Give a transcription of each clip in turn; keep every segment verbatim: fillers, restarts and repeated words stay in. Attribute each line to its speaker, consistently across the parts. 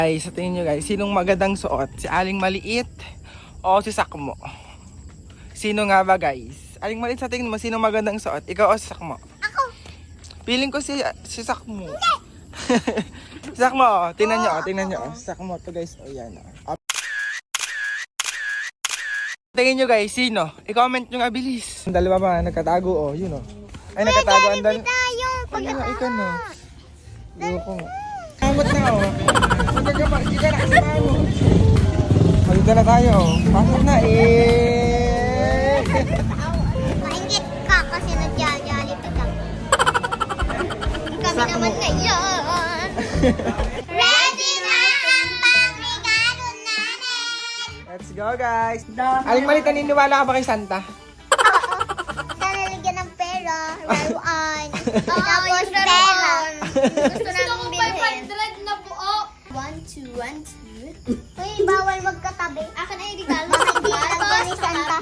Speaker 1: Guys, sa tingin nyo guys, sinong magandang suot? Si Aling Maliit o si Sakmo? Sino nga ba guys? Aling Maliit, sa tingin mo, sinong magandang suot? Ikaw o si Sakmo?
Speaker 2: Ako.
Speaker 1: Feeling ko si, si Sakmo. Si Sakmo, oh. Tingnan nyo, oh. Tingnan nyo. Oh. Si Sakmo to guys. O yan. Oh. Tingin nyo guys, sino? I-comment nyo nga bilis. Ang dalawa ba, nagkatago oh, yun oh. Ay, nagkatago ang dalawa. Ay, nga, ikaw na. Loko nga. Kamot na oh. Hindi ka na kasi mo. Maganda na tayo oh. Pasok na eh.
Speaker 2: Maingit ka kasi nagja-jolly pa lang. Kami naman ngayon. Ready na ang pangregalo namin.
Speaker 1: Let's go guys. Aling Maliit, naniniwala ka ba kay Santa?
Speaker 2: Sana lagyan ng pera, laruan, tapos pera. Gusto namin bilhin. five hundred na buo. one, two, one, two. Uy, bawal magkatabi. Akin na yung regalo. Baka hindi lagyan ni Santa.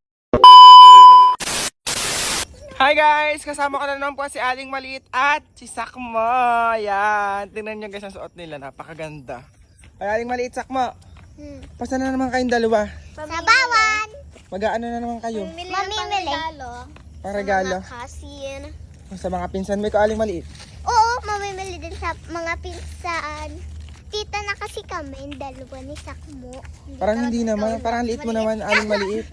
Speaker 1: Hi guys! Kasama ko na naman po si Aling Maliit at si Sakmo. Ayan. Tingnan nyo guys ang suot nila. Napakaganda. Ay, Aling Maliit, Sakmo.
Speaker 2: Hmm.
Speaker 1: Pasa na naman kayong dalawa.
Speaker 2: Sa bawan.
Speaker 1: Mag-aano na naman kayo?
Speaker 2: Mamimili.
Speaker 1: Pang regalo.
Speaker 2: Kasin.
Speaker 1: Sa mga pinsan mo, ikaw Aling Maliit.
Speaker 2: Oo, mamimili din sa mga pinsan. Tita na kasi kami, dalawa ni Sakmo.
Speaker 1: Parang hindi naman. Parang liit mo naman, Aling Maliit.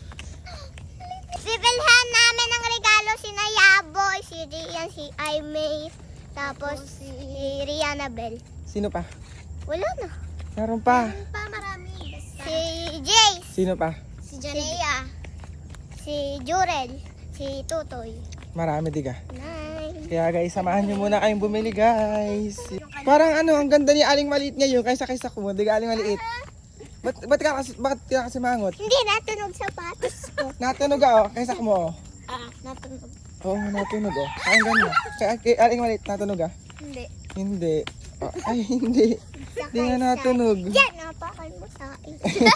Speaker 2: Bibilhan namin ng regalo si Nayaboy, si Rian, si Aimee, tapos si Rihanna Bell.
Speaker 1: Sino pa?
Speaker 2: Wala na.
Speaker 1: Meron pa.
Speaker 2: Pa marami. Si Jace,
Speaker 1: Sino pa?
Speaker 2: si Janea, si Jurel, si Tutoy.
Speaker 1: Marami diga.
Speaker 2: Nine.
Speaker 1: Kaya guys, samahan nyo muna kayong bumili guys. Parang ano, ang ganda ni Aling Maliit ngayon kaysa kay Sakmo. Diga Aling Maliit. Ba't, ba't, ka kasi, bakit ka kasi mangot?
Speaker 2: Hindi natunog sapatos ko.
Speaker 1: Natunog ah, oh, kay Sakmo.
Speaker 2: Ah, natunog.
Speaker 1: Oo, oh, natunog oh. Ang ganda. Kay, kay Aling Maliit, natunog ah.
Speaker 2: Hindi.
Speaker 1: Hindi. Oh, ay, hindi. Hindi nga natunog.
Speaker 2: Yan, napakan mo sa akin.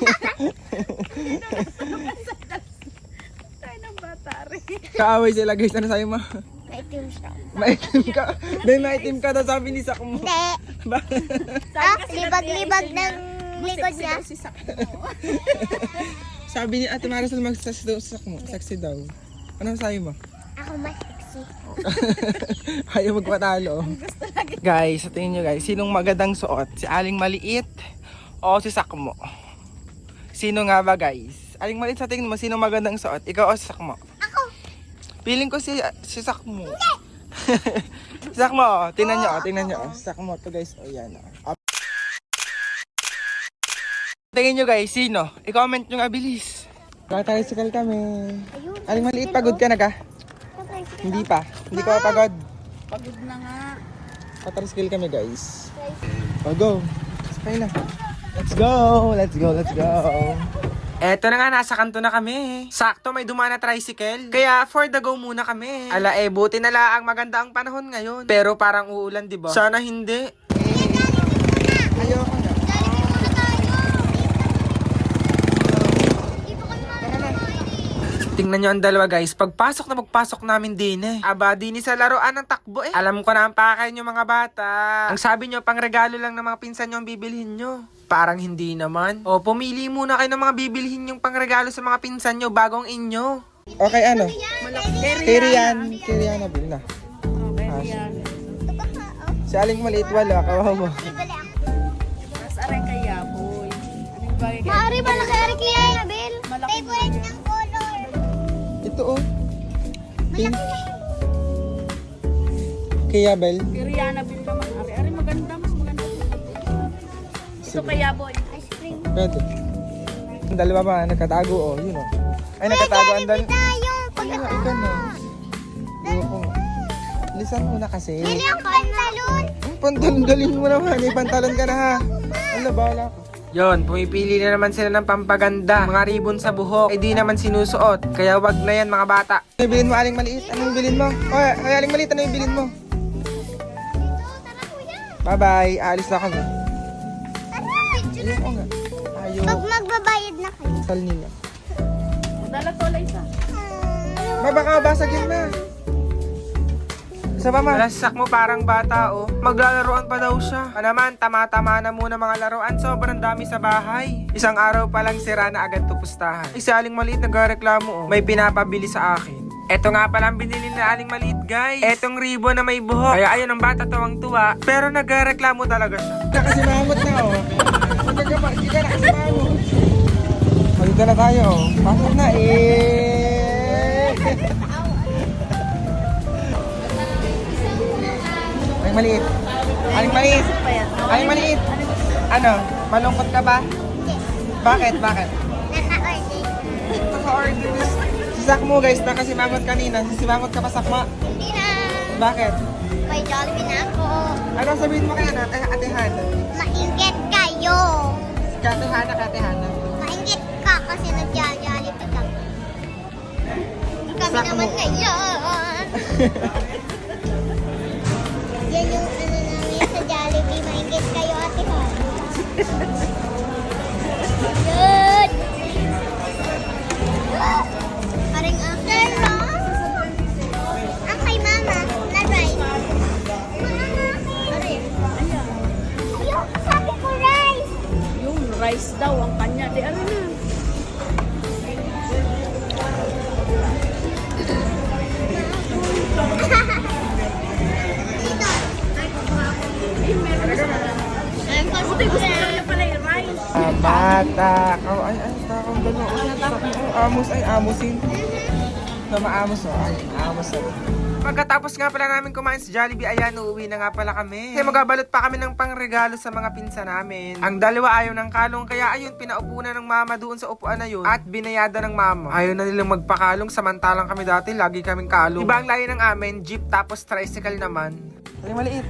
Speaker 3: Tayo ng bata rin.
Speaker 1: Kaaway sila guys, ano sa'yo ma?
Speaker 2: Maitim siya.
Speaker 1: Maitim ka. Dahil maitim ka daw sabi ni Sakmo.
Speaker 2: Hindi. Ah, libag-libag ng likod niya.
Speaker 3: Si Sakmo.
Speaker 1: Sabi ni Ate Marisol magsaksi daw sa Sakmo. Saksi daw. Ano sa'yo mo?
Speaker 2: Ako mas sexy.
Speaker 1: Ayaw magpatalo. Guys, sa tingin nyo guys, sinong magandang suot? Si Aling Maliit o si Sakmo? Sino nga ba guys? Aling Maliit, sa tingin mo, sinong magandang suot? Ikaw o si Sakmo?
Speaker 2: Ako.
Speaker 1: Feeling ko si, si Sakmo. Si Sakmo, oh. Tingnan nyo, oh. Tingnan nyo. Oh. Si Sakmo to guys. O yan. Oh. Tingin nyo guys, sino? I-comment nyo nga bilis. Kaka-tricycle kami. Aling Maliit, pagod ka na ka? Hindi pa. Hindi ka pa pagod.
Speaker 3: Pagod na nga.
Speaker 1: Kaka-tricycle kami guys. O go. Sakay na. Let's go. Let's go. Let's go. Eto na nga, nasa kanto na kami. Sakto, may dumaan na tricycle. Kaya for the go muna kami. Ala eh, buti na lang maganda ang panahon ngayon. Pero parang uulan, di ba? Sana hindi. Eh, ayoko na. Tingnan nyo ang dalawa guys, pagpasok na magpasok namin din eh. Aba, din sa laruan ng takbo eh. Alam ko na ang pakay nyo mga bata. Ang sabi nyo, pang regalo lang ng mga pinsan nyo ang bibilhin nyo. Parang hindi naman. O, pumili muna kayo ng mga bibilhin yung pang regalo sa mga pinsan nyo bagong inyo. Okay, ano? Kay Rian. Kay Rian na bil na.
Speaker 3: Okay, Rian.
Speaker 1: Si Aling Maliit wala, kawawa mo.
Speaker 3: Mas aray kaya, boy. Anong bagay kaya?
Speaker 2: Maari ba na kay Eric Lian, Abel?
Speaker 3: Malaki
Speaker 2: Favorite ng color.
Speaker 1: Ito oh. Pink. Kaya Bel.
Speaker 3: Si Rihanna Bill naman. Ari, ari maganda. Mas maganda. Ito kaya, boy.
Speaker 2: Ice cream.
Speaker 1: Pwede. Ang dalawa ba, nagkatago oh, yun oh. Ay, nagkatago ang dalawa.
Speaker 2: Tayo,
Speaker 1: Ay, nga, ikaw na. Ayoko nga. Lisan mo na kasi.
Speaker 2: Bili ang pantalon.
Speaker 1: Ang pantalon, galing mo naman. May pantalon ka na ha. Ala, bahala ko. Yon, pumipili na naman sila ng pampaganda. Mga ribbon sa buhok. Eh di naman sinusuot. Kaya wag na yan mga bata. Ano yung bilin mo, Aling Maliit? Ano yung bilin mo? Oy, ay, Aling Maliit, ano yung bilin mo?
Speaker 2: Tara kuya.
Speaker 1: Bye-bye. Aalis na kami.
Speaker 2: Tara.
Speaker 1: Ayoko nga. Ayaw.
Speaker 2: Pag magbabayad na kayo.
Speaker 1: Sal nila.
Speaker 3: Dala ko lang isa.
Speaker 1: Ma, baka basagin na. Sa pa ma? Lasak mo parang bata oh. Maglalaroan pa daw siya. Pa naman, tama-tama na muna mga laruan. Sobrang dami sa bahay. Isang araw pa lang sira na agad tupustahan. Isa aling maliit nagreklamo oh. May pinapabili sa akin. Eto nga pala ang binili na aling maliit guys. Etong ribbon na may buhok. Kaya ayun ang bata tuwang tuwa. Pero nagreklamo talaga siya. Nakasimangot na oh. Magkagapa, hindi ka nakasimangot. Magkita na tayo oh. Pasok na eh. Aling maliit. Aling maliit. Aling maliit. Ano? Malungkot ka ba? Bakit? Bakit?
Speaker 2: Naka-order.
Speaker 1: Naka-order. Si Sakmo guys, nakasimangot kanina. Sisimangot ka pa Sakma?
Speaker 2: Hindi na.
Speaker 1: Bakit?
Speaker 2: May Jollibee na ako.
Speaker 1: Ano sabihin mo kaya na? Ate, ate Hana.
Speaker 2: Mainggit kayo.
Speaker 1: Kate Hana, Kate Hana.
Speaker 2: Mainggit ka kasi nagja-Jollibee ka. Kami
Speaker 1: Sakmo.
Speaker 2: naman ngayon. Yan yung ano namin sa Jollibee. Mainggit kayo, ate ha. Good. Paring after ang kay mama na rice. Mama,
Speaker 3: Ayan.
Speaker 2: yung sabi ko rice.
Speaker 3: Yung rice daw ang kanya. Di ano na. Buti gusto niya pala yung rice.
Speaker 1: Ah, bata. Kau, ay, ay, takong gano'n. Ay, ay, amos, ay, amusin. Na maamos oh. Ay, amos oh. Pagkatapos nga pala namin kumain sa Jollibee, ayan, uuwi na nga pala kami. Kasi magabalot pa kami ng pangregalo sa mga pinsa namin. Ang dalawa ayaw ng kalong, kaya ayun, pinaupo na ng mama doon sa upuan na yun. At binayada ng mama. Ayaw na nilang magpakalong, samantalang kami dati, lagi kaming kalong. Iba ang layo ng amin, jeep tapos tricycle naman. Aling maliit.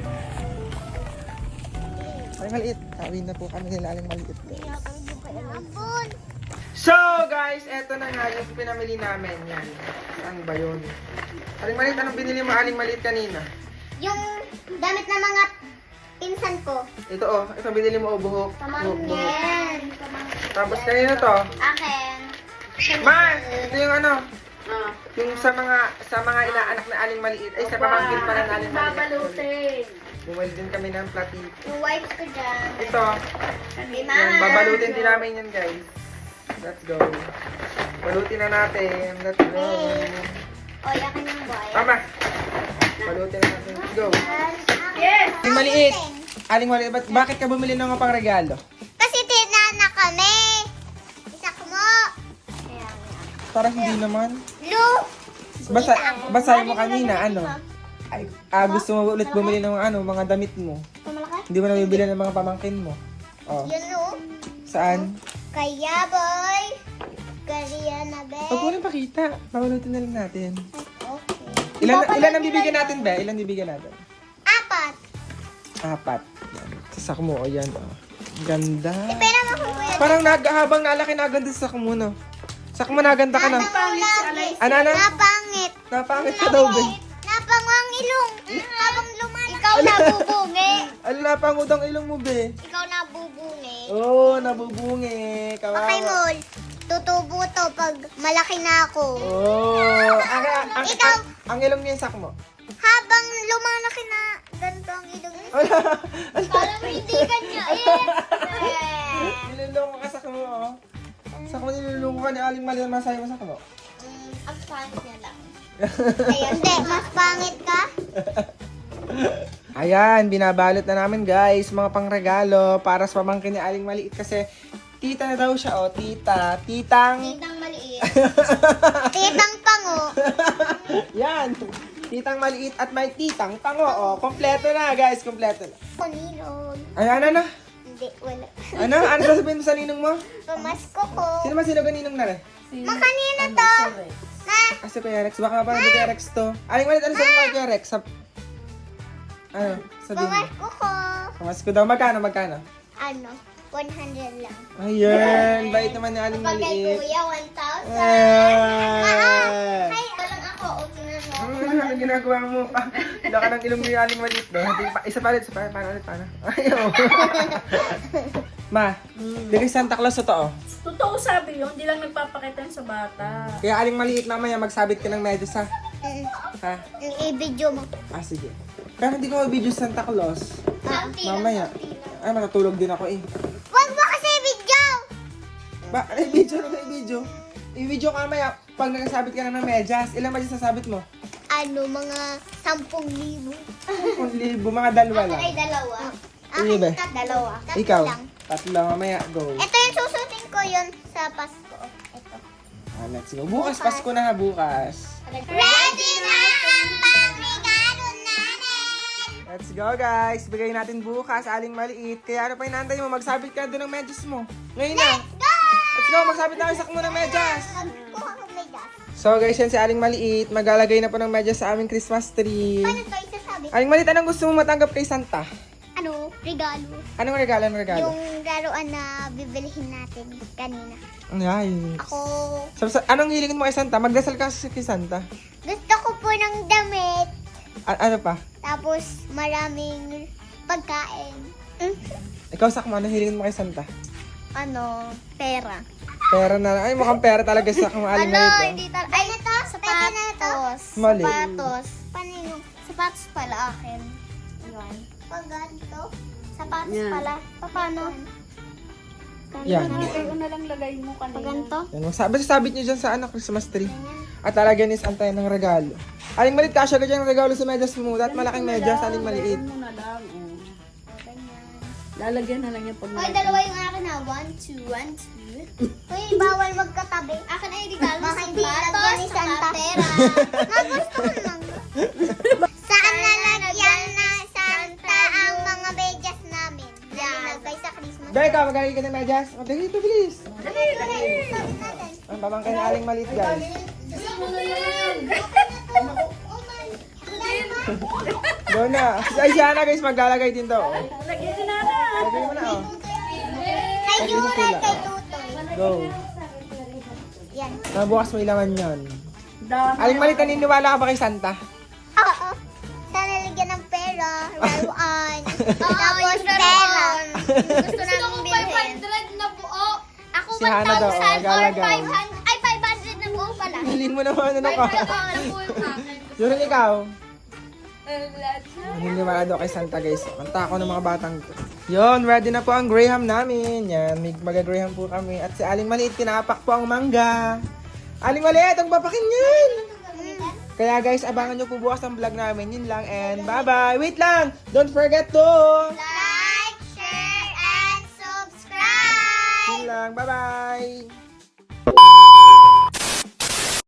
Speaker 1: Aling maliit. Kawin na po kami nila aling maliit.
Speaker 2: Abon.
Speaker 1: So guys, eto na nga yung pinamili namin. Yan. Saan ba yun? Aling maliit, anong binili mo aling maliit kanina?
Speaker 2: Yung damit ng mga pinsan ko.
Speaker 1: Ito oh, ito binili mo oh, buhok. Buhok, buhok.
Speaker 2: Pamangkin.
Speaker 1: Tapos kanina to.
Speaker 2: Akin.
Speaker 1: Ma, ito yung ano,
Speaker 3: Ah.
Speaker 1: yung sa mga sa mga inaanak na aling maliit, ay sa pamangkin pa na aling maliit.
Speaker 3: Babalutin.
Speaker 1: Bumili din kami ng platito.
Speaker 2: Yung wipes ko dyan.
Speaker 1: Ito,
Speaker 2: Kay
Speaker 1: yan,
Speaker 2: mama.
Speaker 1: babalutin din namin yan guys. Let's go. Balutin na natin. Let's go.
Speaker 2: O, yakin yung wipe.
Speaker 1: Mama, balutin na natin. Let's go.
Speaker 3: Yes!
Speaker 1: Aling maliit. Aling maliit, ba't- bakit ka bumili ng mga pang regalo?
Speaker 2: Kasi tinana kami. Isak mo. Ayan.
Speaker 1: Parang hindi naman.
Speaker 2: Lu.
Speaker 1: Basa, basahin mo kanina, ano? Ay, ah, gusto mo ulit bumili ng ano, mga damit mo.
Speaker 2: Malaki?
Speaker 1: Hindi mo na bibili ng mga pamangkin mo. Oh,
Speaker 2: Yun o.
Speaker 1: saan?
Speaker 2: Kaya boy. Kaya na be.
Speaker 1: Huwag mo nang pakita. Pabalutin na lang natin.
Speaker 2: Okay.
Speaker 1: Ilan,
Speaker 2: Papanood
Speaker 1: ilan ang
Speaker 2: nila
Speaker 1: bibigyan
Speaker 2: yun.
Speaker 1: natin, be? Ilan bibigyan natin?
Speaker 2: Apat.
Speaker 1: Apat. Yan. Sasak mo, o yan, oh. Ganda.
Speaker 2: Pera mo kung kuya.
Speaker 1: Parang nag, habang nalaki na ganda sa sak mo, no? Sak mo na ganda ka na.
Speaker 2: Napangit.
Speaker 1: Ano, ano?
Speaker 2: Napangit.
Speaker 1: Napangit ka daw, be.
Speaker 2: Napangwang ilong. Habang lumalaki. Ikaw nabubungi.
Speaker 1: Ano napangudang ilong mo, be?
Speaker 2: Ikaw nabubungi.
Speaker 1: Oo, oh, nabubungi.
Speaker 2: Okay,
Speaker 1: Kawawa.
Speaker 2: Mol. Tutubo to pag malaki na ako.
Speaker 1: Oo. Oh, ang, ang, ang,
Speaker 2: Ikaw.
Speaker 1: ang, ang ilong niya yung sak mo.
Speaker 2: Habang lumalaki na, ganito ang ilong niya.
Speaker 1: Wala.
Speaker 2: Parang hindi kanya. Eh.
Speaker 1: Nilulungo ka sak mo, oh. Sak mo, nilulungo ka ni Aling Mali. Masaya mo sak mo.
Speaker 2: Mm, ang pangit niya lang. Ayun, hindi. Mas pangit ka?
Speaker 1: Ayan, binabalot na namin guys, mga pangregalo para sa pamangkin ni Aling Maliit kasi tita na daw siya, oh, tita, titang,
Speaker 2: Titang maliit. Titang pango.
Speaker 1: yan, titang maliit at may titang tango, oh, kompleto na guys, kompleto na.
Speaker 2: Kunilog.
Speaker 1: Ayan, ano,
Speaker 2: Hindi, wala.
Speaker 1: ano, ano sasabihin mo sa ninong mo?
Speaker 2: Pamasko ko.
Speaker 1: Sino ba sino ninong na rin?
Speaker 2: Makanina to. Na,
Speaker 1: Ah, si Kuya Rex, baka mapanood ni Kuya Rex to. Aling Maliit, ano sabihin mo kay Kuya Rex? Sa, ano, sabihin mo?
Speaker 2: pamasko ko.
Speaker 1: Pamasko daw, magkano, magkano?
Speaker 2: Ano? one hundred lang.
Speaker 1: Ayan, bait naman ni Aling
Speaker 2: Pag kay
Speaker 1: Maliit.
Speaker 2: kuya, one thousand.
Speaker 1: Ah!
Speaker 2: Ay, walang ako. Okay na no.
Speaker 1: Ano ang ginagawa mo pa? Wala ka ng ilong ni Aling Maliit. No? Hindi pa- Isa pa ulit, isa pa ulit. Paano ulit, paano? Ayaw. Ma, bigay Santa Claus ito, oh.
Speaker 3: Totoo sabi yun, hindi lang nagpapakita yun sa bata.
Speaker 1: Kaya Aling Maliit mamaya magsabit ka ng medyas, ha?
Speaker 2: Mm,
Speaker 1: Ha?
Speaker 2: yung i-video mo.
Speaker 1: Ah, sige. Pero hindi ko mag-video sa Santa Claus.
Speaker 2: Ah,
Speaker 1: Mamaya. Ay, matutulog din ako eh.
Speaker 2: Wag mo kasi video!
Speaker 1: Ba, i-video na i-video. I-video ka mamaya. Pag nagsasabit ka na ng medyas, ilang medyas sasabit mo?
Speaker 2: Ano, mga sampung libo.
Speaker 1: Kung libo, mga dalawa lang.
Speaker 2: Ay, dalawa.
Speaker 1: Sige, be.
Speaker 2: tat- dalawa. Tatlo
Speaker 1: Ikaw?
Speaker 2: lang.
Speaker 1: Tatlo, mamaya, go.
Speaker 2: Ito yung susutin ko yun sa Pasko. Ito.
Speaker 1: Ah, let's go. Bukas, Pasko na ha, bukas.
Speaker 2: Ready na ang pangregalo natin!
Speaker 1: Let's go, guys. Bigay natin bukas, aling maliit. Kaya ano pa inaantay mo? Magsabit ka doon ng medyas mo. Ngayon na.
Speaker 2: Go!
Speaker 1: Let's go, magsabit na kayo sa mo ng medyas.
Speaker 2: Kuha ko may gas.
Speaker 1: So, guys, yan si aling maliit. Maglalagay na po ng medyas sa aming Christmas tree.
Speaker 2: Paano ito isasabi?
Speaker 1: Aling maliit, anong gusto mo matanggap kay Santa?
Speaker 2: Ano? Regalo.
Speaker 1: Anong regalo, anong regalo?
Speaker 2: Yung laruan na bibilihin natin kanina.
Speaker 1: Nice.
Speaker 2: Ako,
Speaker 1: So, sa- anong hilingin mo kay Santa? Magdasal ka sa- kay Santa.
Speaker 2: gusto ko po ng damit.
Speaker 1: A- ano pa?
Speaker 2: Tapos maraming pagkain. Mm.
Speaker 1: Ikaw, Sakmo, anong hilingin mo kay Santa?
Speaker 2: Ano? Pera.
Speaker 1: Pera na. Ay, mukhang pera talaga sa kung aling
Speaker 2: Ano?
Speaker 1: maliit. oh.
Speaker 2: Hindi talaga. Ay, ito. Sapatos.
Speaker 1: Mali.
Speaker 2: Sapatos. Paano yung sapatos pala akin? Yan. Pag ganito. Sapatos
Speaker 3: Yan.
Speaker 2: pala. Paano?
Speaker 1: Yan.
Speaker 3: Ito na lang lagay mo kanina.
Speaker 2: Pag ganito.
Speaker 1: Yan, magsabi, sabit nyo dyan sa ano, Christmas tree. At talagyan ni Santa yan ng regalo. Aling maliit, kasya ka dyan ng regalo sa medyas mo. At malaking medyas, aling maliit.
Speaker 3: Lagyan mo na lang. Oh.
Speaker 2: Ganyan.
Speaker 3: Lalagyan na lang yan pag
Speaker 2: Hoy, dalawa yung akin na. One, two, one, two. Hoy, bawal magkatabi. Akin ay regalo. Baka hindi lagyan ni Santa. Pera. Magusto ko lang. Saan nalagyan na Santa ang mga medyas namin? Nalinagay sa Christmas.
Speaker 1: Dahil ka, magaling ka ng medyas. O, dali, ito, bilis.
Speaker 2: Dali, dali. Sabi natin.
Speaker 1: Ang pamangkin na aling maliit, guys. Go na. Ay, siya na, guys, maglalagay din to. Oh.
Speaker 3: Lagyan na na.
Speaker 1: Lagay mo na, oh.
Speaker 2: Kay Yura, kay Tutoy.
Speaker 1: Go.
Speaker 2: Yan.
Speaker 1: Nabukas mo ilaman yun.
Speaker 3: Dami.
Speaker 1: Aling maliit, naniniwala ka ba kay Santa?
Speaker 2: Oo. Sa nalagyan ng pera, laruan. Tapos pera. Gusto namin bilhin.
Speaker 4: na buo.
Speaker 2: Ako
Speaker 1: Si Hana daw, oh,
Speaker 2: one thousand or
Speaker 1: maglalagay.
Speaker 2: five hundred. Ay, five hundred na buo pala.
Speaker 1: Hilin mo naman, ano ka?
Speaker 4: na po yung akin.
Speaker 1: Yun ikaw. Naniniwala daw kay Santa, guys. Kanta ako ng mga batang to. Yun, ready na po ang Graham namin. Yan, may mag-Graham po kami. At si Aling Maliit, tinapak po ang mangga. Aling Maliit, ang papakin yan! Kaya guys, abangan nyo po bukas ang vlog namin. Yun lang, and bye-bye! Wait lang! Don't forget to...
Speaker 2: Like, share, and subscribe!
Speaker 1: Yun lang, bye-bye!